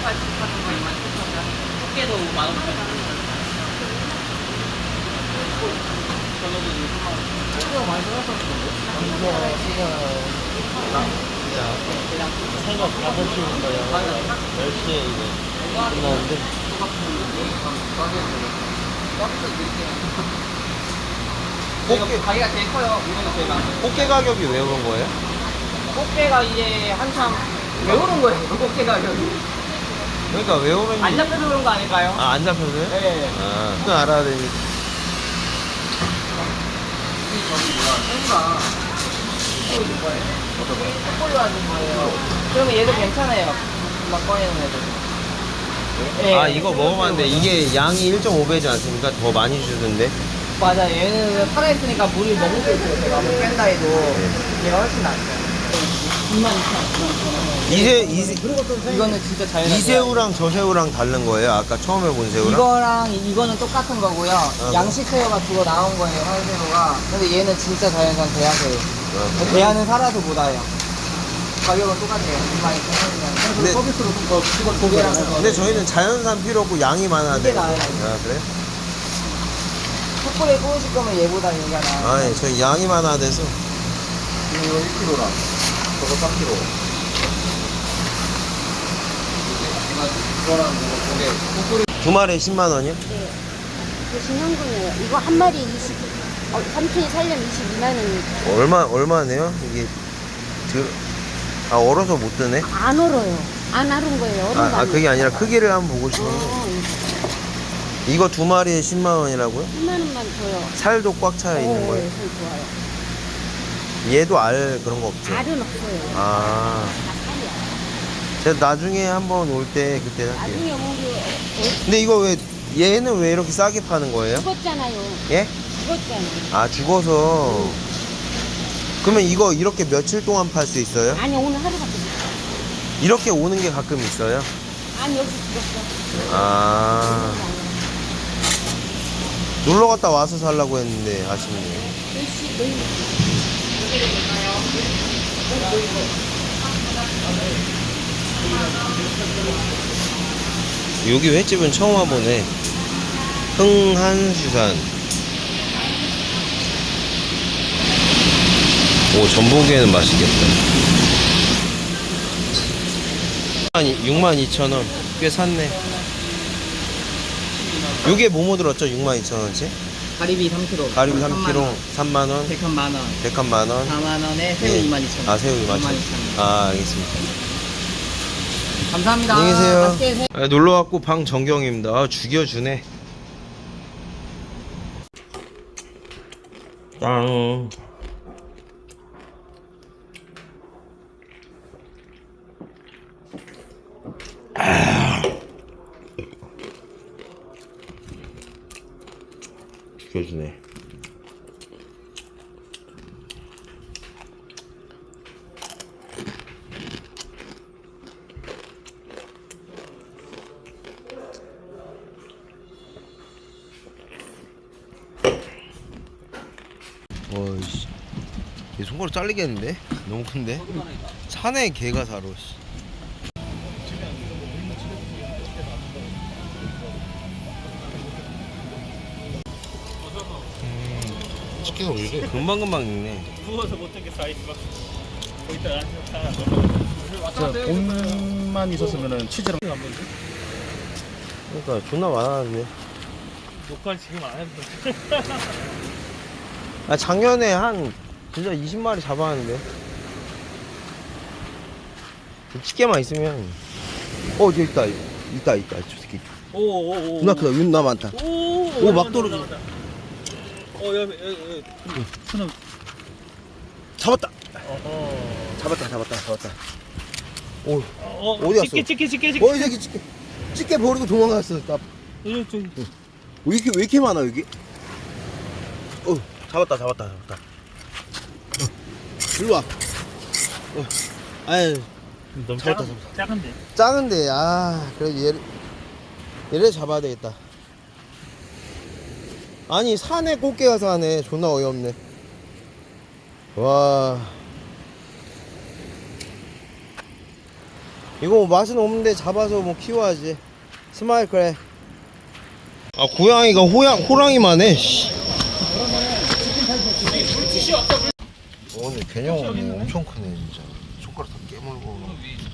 같은 거 27,000원. 꽃게도 15,000원. 저거도 6만원. 이거 많이 떨어졌는데? 새벽 5시부터요. 10시에 이제 끝나는데. 꽃게 가게가 제일 커요. 이거는 제일 많아요. 꽃게 가격이 왜 오른 거예요? 꽃게가 이제 한참 왜 오른 거예요? 꽃게 가격이. 그러니까 왜 오른지. 안 잡혀서 그런 거 아닐까요? 아, 안 잡혀서요? 네. 아, 그건 알아야 되니. 생가. 이거 줄 거예요? 어떤 거요? 햇볼로 하는 거예요. 그러면 얘도 괜찮아요. 막 꺼내는 애도. 네. 아, 이거 먹어봤는데 이게 양이 1.5배지 않습니까? 더 많이 주던데. 맞아. 얘는 살아있으니까 물이 너무 돼 있어요. 제가 뭐 뺀다 해도 얘가 훨씬 낫죠. 22,000원. 이거는 진짜 자연한 이 새우랑 저 새우랑 다른 거예요? 아까 처음에 본 새우랑? 이거랑 이거는 똑같은 거고요. 양식 새우가 두고 나온 거예요, 활새우가. 근데 얘는 진짜 자연산 대하새우. 대하는 살아도 못 와요. 가격은 똑같아요. 22,000원이면. 근데- 서비스로 더 고기랑 근데 저희는 자연산 필요 없고 양이 많아야 이게 돼요. 나아요. 아, 그래? 숯불에 구우실 거면 얘보다 얘가 나아요. 아, 예, 저희 양이 많아야 돼서. 이거 1kg랑 저거 3kg. 이거랑 이거 두 마리에 10만 원이요? 네. 그 신현금이에요. 이거 한 마리 3톤이 살려면 22만 원이 얼마네요? 이게, 얼어서 못 드네? 안 얼어요. 안 얼은 거예요. 얼은 거 아, 그게 아니라 크기를 한번 보고 싶은데. 이거 두 마리에 10만 원이라고요? 10만 원만 줘요. 살도 꽉 차 있는 거예요? 네, 좋아요. 얘도 알 그런 거 없죠? 알은 없어요. 아, 다 살이야. 제가 나중에 한번 올 때 그때 할게요. 나중에 우리 근데 이거 얘는 왜 이렇게 싸게 파는 거예요? 죽었잖아요. 예? 죽었잖아요. 아, 죽어서. 그러면 이거 이렇게 며칠 동안 팔 수 있어요? 아니 오늘 하루밖에 못 가. 이렇게 오는 게 가끔 있어요? 아니 여기서 죽었어. 아, 놀러 갔다 와서 살라고 했는데 아쉽네요. 내일 여기 횟집은 처음 와보네. 흥한수산. 오, 전복에는 맛있겠다. 62,000원. 꽤 샀네. 요게 뭐뭐 들었죠? 62,000원치? 가리비 3kg. 가리비 3kg 3만원. 백한 만원. 백한 만원. 4만원에 새우 예. 22,000원. 아, 새우 22,000원. 아, 알겠습니다. 감사합니다. 안녕히 계세요. 맛있게 드세요. 아, 놀러왔고 방정경입니다. 아, 죽여주네. 짱. 죽여주네. 어이씨, 얘 손가락 잘리겠는데? 너무 큰데? 산에 개가 살아. 씨. 치킨을 왜 이래? 금방금방 익네. 돈만 있었으면은 치즈랑 그러니까 존나 많았는데. 녹화 지금 안 해도 아, 작년에 한 진짜 20마리 잡았는데. 집게만 있으면. 저기 있다. 있다. 저 새끼. 오오오 존나 크다. 윤나 많다. 오, 막 떨어져. 여기 잡았다. 어허 잡았다. 오, 어디 갔어? 찍게 이 새끼 집게 버리고 도망갔어. 나, 좀 왜 이렇게 많아, 여기? 잡았다. 일로 와. 아유, 너무 잡았다. 작은데 작은데, 그래도 얘를 잡아야 되겠다. 아니, 산에 꽃게가 사네. 존나 어이없네. 와. 이거 뭐 맛은 없는데 잡아서 뭐 키워야지. 스마일 그래. 아 고양이가 호랑이만 해. 씨. 근데 개념 엄청 크네 진짜. 손가락 다 깨물고.